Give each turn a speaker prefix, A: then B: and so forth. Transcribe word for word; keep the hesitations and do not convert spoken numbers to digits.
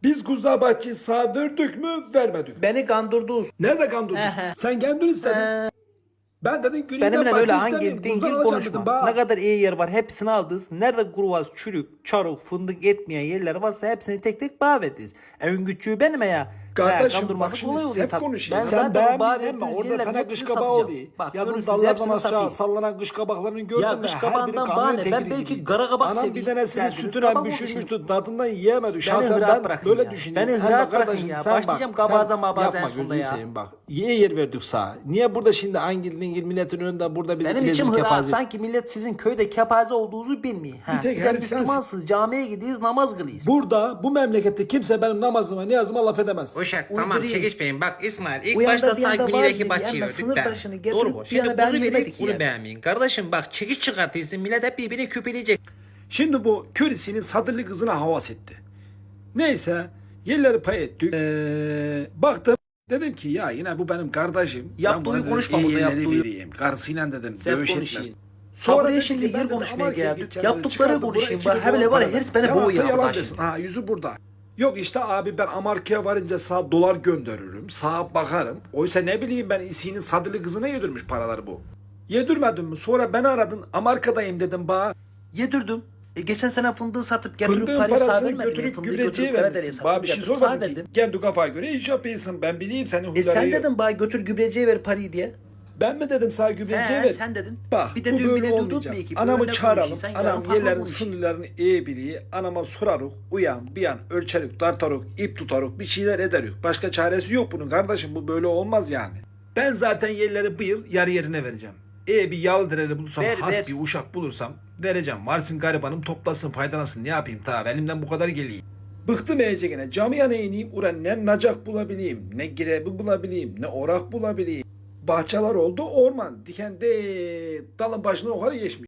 A: Biz Kuzdağ Bahçe'yi sağ verdik mü vermedik.
B: Beni kandırdınız.
A: Nerede kandırdın?
B: Ehe.
A: Sen kendin istedin. Ben dedim Güney'den
B: Benimle
A: bahçe
B: öyle
A: istemiyorum.
B: hangi dingil
A: Kuzdağ alacağım
B: konuşma.
A: dedim, bak.
B: Ne kadar iyi yer var hepsini aldınız. Nerede kuruvaz, çürük, çarık, fındık etmeyen yerler varsa hepsini tek tek bağ verdiniz. En küçüğü benim ya.
A: Kardeşim
B: kandırması
A: bak şimdi
B: kolay oluyor
A: hep
B: tabii.
A: konuşuyor.
B: Ben
A: Sen
B: zaten o bağ
A: beğenmedin mi?
B: verdiğiniz
A: Orada
B: yerlerin
A: sana
B: hepsini
A: kış kabağı
B: satacağım.
A: oluyor.
B: Bak
A: Yazın
B: görürsünüz
A: dallardan
B: hepsini
A: aşağı
B: satayım.
A: sallanan kış kabaklarını gördün
B: Ya
A: mü?
B: kış
A: Her
B: kabağından
A: biri
B: bana
A: kamyon
B: ne? Ben
A: tekeri
B: belki
A: gibiydi.
B: kara kabak
A: Anam bir
B: seveyim.
A: tanesini
B: Derdiniz
A: sütüne
B: kabak
A: düşürmüştü. Tadından yiyemedi.
B: Beni
A: Şahsen
B: rahat
A: ben
B: bırakın
A: böyle
B: ya.
A: düşünüyorum.
B: Beni
A: Sen
B: rahat
A: bak
B: bırakın
A: kardeşim,
B: ya.
A: sen bak,
B: Başlayacağım
A: sen
B: kabaza mabaza en
A: yapma,
B: sonunda
A: gözünü
B: ya.
A: seveyim bak. İyi yer verdik sağa. Niye burada şimdi angil dingil milletin önünde burada bizi
B: Benim içim
A: ilezir
B: hıra.
A: kepaze.
B: Sanki millet sizin köyde kepaze olduğunuzu bilmiyor. Ha.
A: Bir tek
B: Bir de
A: herif sensin.
B: Müslümansınız. Camiye gidiyiz namaz kılıyız.
A: Burada bu memlekette kimse benim namazıma niyazıma laf edemez.
C: Uşak tamam
B: Uydurayım.
C: çekişmeyin. Bak İsmail ilk
B: Bu yanda
C: başta
B: bir yanda
C: sağ
B: vaz
C: güneydeki
B: geliyor
C: bahçeyi
B: ama sınır
C: gördük
B: taşını
C: de.
B: getirip
C: Doğru bu.
B: bir
C: Şimdi
B: yana ben
C: kuzu
B: yemedik
C: verdik bunu
B: yani.
C: beğenmeyin. Kardeşim bak çekiş çıkartıyorsun millet hep birbirini küpeleyecek.
A: Şimdi bu körisinin sadırlı kızına havas etti. Neyse yerleri pay ettik. Ee, baktım dedim ki ya yine bu benim kardeşim.
B: Yaptığı
A: Ben buna dedim,
B: konuşma
A: iyi
B: burada,
A: yerleri
B: yaptığı.
A: vereyim. Karısıyla dedim
B: Sen
A: dövüş
B: konuşayım.
A: etmez.
B: Sonra
A: dedi
B: şimdi
A: ki, ben
B: yer
A: dedi,
B: konuşmaya
A: Amerika'ya
B: geldik.
A: gideceğim dedi,
B: Yaptıkları
A: çıkardı,
B: konuşayım.
A: buraya
B: Bak,
A: iki bin
B: hele var ya,
A: dolar
B: herif beni
A: Yalansa
B: boğuyor
A: yalan
B: arkadaşım.
A: desin. Ha yüzü burada. Yok işte abi ben Amerika'ya varınca sağ dolar gönderirim. Sağa bakarım. Oysa ne bileyim ben İsi'nin sadırlı kızına yedirmiş paraları bu. Yedirmedin mi? Sonra beni aradın. Amerika'dayım dedim bana.
B: Yedirdim. E, geçen sene fındığı satıp getirip
A: Fındığın
B: parayı sağ
A: parasını
B: vermedim.
A: götürüp
B: Fındığı
A: gübreciye
B: götürüp Karadere'ye
A: vermişsin.
B: sattım
A: Bana bir şey
B: getirip sağ
A: sormadın ki.
B: verdim.
A: Kendi kafaya göre iş yapıyorsun. Ben bileyim senin
B: E
A: huyları.
B: sen dedin bana götür gübreciye ver parayı diye.
A: Ben mi dedim sana gübreciye
B: He
A: ver?
B: sen dedin.
A: Bak
B: bir de
A: bu
B: dün
A: böyle
B: bile durduk
A: olmayacak.
B: mu ki?
A: Anamı
B: Böyle
A: çağıralım.
B: konuşuyor, sen yarın
A: Anam
B: farklı
A: yerlerin
B: konuşuyor.
A: sınırlarını iyi biliyor. Anama soraruk. Uyan bir an ölçerük, tartaruk, ip tutaruk bir şeyler ederük. Başka çaresi yok bunun kardeşim. Bu böyle olmaz yani. Ben zaten yerleri bu yıl yarı yerine vereceğim. E bir yal dereli bulursam,
B: Ver,
A: has
B: ver.
A: bir uşak bulursam vereceğim. Varsın garibanım toplasın faydalansın. Ne yapayım ta elimden bu kadar geliyor. Bıktım iyice gene. Camiye ne ineyim? Ulan ne nacak bulabileyim, ne girebi bulabileyim, ne orak bulabileyim. Bahçeler oldu orman. Diken de dalın başına yukarı geçmiş.